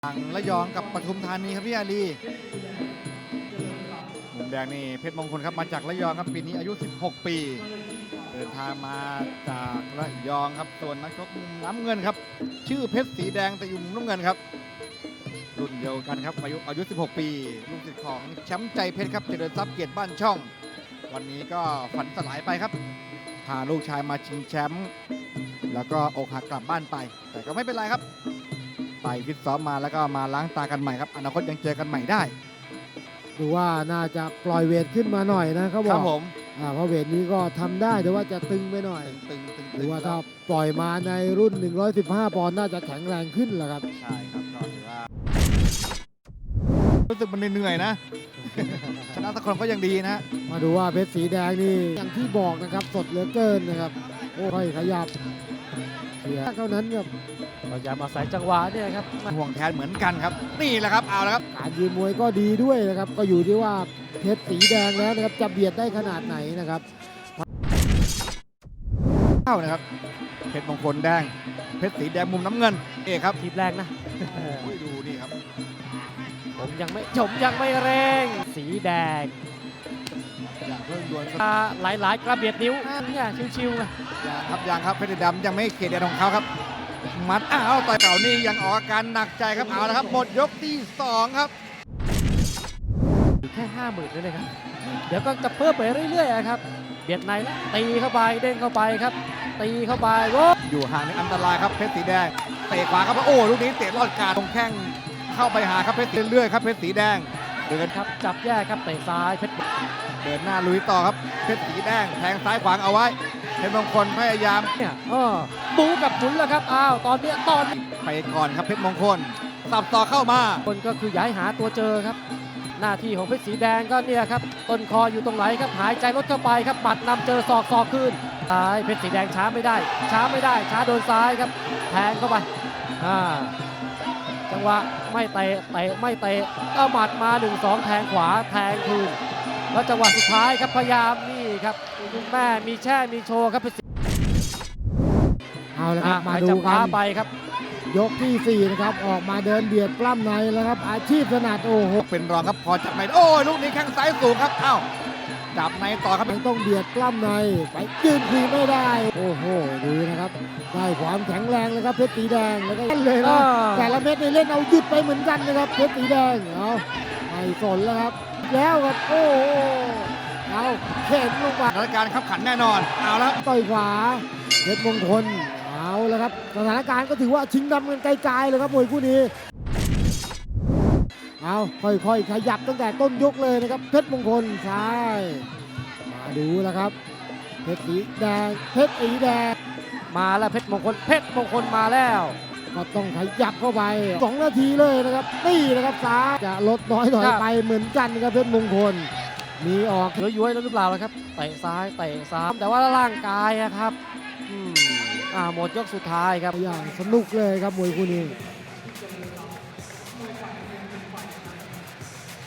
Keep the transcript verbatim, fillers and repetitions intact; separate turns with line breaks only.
ทางระยองกับปทุมธานีครับพี่อาลีมุมแดงนี่เพชรมงคลครับมาจากระยองครับปีนี้อายุสิบหกปีเดินทางมาจากระยองครับส่วนนักชกมุมน้ำเงินครับชื่อเพชรสีแดงแต่อยู่มุมน้ำเงินครับรุ่นเดียวกันครับอายุอายุสิบหกปีลูกศิษย์ของแชมป์ใจเพชรครับเจริญทรัพย์เกียรติบ้านช่องวันนี้ก็ฝันสลายไปครับพาลูกชายมาชิงแชมป์แล้วก็อกหักกลับบ้านไปแต่ก็ไม่เป็นไรครับไปฟิตซ้อมมาแล้วก็มาล้างตากันใหม่ครับอนาคตยังเจอกันใหม่ได้
ดูว่าน่าจะปล่อยเวทขึ้นมาหน่อยนะเขาบ
ค
อ
รั
ก
บผม
อ่าเพราะเวทนี้ก็ทำได้แต่ว่าจะตึงไปหน่อย
ตึงตึง
หรือว่าถ้าปล่อยมาในรุ่นหนึ่งร้อยสิบห้าปอนด์น่าจะแข็งแรงขึ้นแหละครับ
ใช่ครับก็ถือว่ารู้สึกมันเหนื่อยๆนะ ชนะสักคนก็ยังดีนะ
มาดูว่าเพชรสีแดงนี่อย่างที่บอกนะครับสดเหลือเกินนะครับโอ้ยขยับเสียเท่านั้นครับ
พยายามอาศัยจังหวะเนี่ยครับ
ห่วงแทนเหมือนกันครับนี่แหละครับเอาละครับ
การยืนมวยก็ดีด้วยนะครับก็อยู่ที่ว่าเพชรสีแดงแล้วนะครับจะเบียดได้ขนาดไหนนะครับ
เข้านะครับเพชรมงคลแดงเพชรสีแดงมุมน้ำเงินเอกครับ
ทีบแรกนะ
โอ้ยดูนี่ครับ
ผมยังไม่ผมยังไม่เร่ง สีแดง
อย่าเพิ่งด่วน
หลายหลายๆกระเบียดนิ้วเนี่ยชิวๆนะ
อย่างครับอย่างครับเพชรดำยังไม่เขตแดนของเขาครับมัดอ้าวต่อยเก่านี่ยังออกอาการหนักใจครับเอาละครับหมดยกที่สองครับ
แค่ห้าหมื่นเลยนะครับ เดี๋ยวก็จะเพิ่มไปเรื่อยๆครับเบียดในแล้วตีเข้าไปเด้งเข้าไปครับ ตีเข้าไปโว้
อยู่ห่างในอันตรายครับเพชรสีแดงเตะขวาครับโอ้ลูกนี้เตะลอดกาดตรงแข้งเข้าไปหาครับเพชรเรื่อยๆครับเพชรสีแดงเดิน
ครับจับแยกครับเตะซ้ายเพชร
เดินหน้าลุยต่อครับเพชรสีแดงแทงซ้ายขวางเอาไว้เพชรมงคลพยายาม
เนี่ยเออบูกับหมุนแล้วครับอ้าวตอนเนี้ยตอนนี้
ไปก่อนครับเพชรมงคลสับต่อเข้ามา
คนก็คือย้ายหาตัวเจอครับ หน้าที่ของเพชรสีแดงก็เนี่ยครับต้นคออยู่ตรงไหนครับหายใจลดเข้าไปครับปัดนำเจอศอกศอกคืนซ้ายเพชรสีแดงช้าไม่ได้ ช้าไม่ได้ ช้าโดนซ้ายครับแทงเข้าไปอ่าจังหวะไม่เตะเตะไม่เตะก็หมัดมาหนึ่งสองแทงขวาแทงคืนแล้วจังหวะสุดท้ายครับพยายามนี่ครับคุณแม่มีแช่มีโชว์ครับเพชรสี
เอาละครับมา
หาย
ดู
จับ
กั
ฟ้าน ไปครับ
ยกที่สี่นะครับออกมาเดินเบียดปล้ำในแล้วครับอาชีพถนัดโอ้โห
เป็นรองครับพอจับในโอ้ยลูกนี้แข้งซ้ายสูงครับเอ้าจับในต่อครับ
ยังต้องเบียดปล้ำในไปยืนคุยไม่ได้ โอ้โหดูนะครับได้ความแข็งแรงเลยครับเพชรสีแดงแล้วก็เล่นเลยนะ
อ่า
แต่ละเม็ดนี่เล่นเอาหยุดไปเหมือนกันนะครับเพชรสีแดงเอาไม่สนแล้วครับแล้วครับโอ้โหเอาเข็นลงไป
สถานการณ์ขับขันแน่นอนเอาละครับ
ต่อยขวาเพชรมงคลเอาแล้วครับสถานการณ์ก็ถือว่าชิงดำกันไกลๆเลยครับมวยคู่นี้เอาค่อยๆขยับตั้งแต่ต้นยกเลยนะครับเพชรมงคลซ้ายมาดูแล้วครับเพชรสีแดงเพชรสีแดง
มาแล้วเพชรมงคลเพชรมงคลมาแล้ว
ก็ต้องขยับเข้าไปสองนาทีเลยนะครับนี่นะครับซ้ายจะลดน้อยถอยไปเหมือนกันนะครับเพชรมงคลมีออก
ย้วยๆแล้วหรือเปล่าล่ะครับเตะซ้ายเตะซ้ายแต่ว่าร่างกายอะครับอืมอ่าหมดยกสุดท้ายครับ
อย่างสนุกเลยครับมวยคู่นี้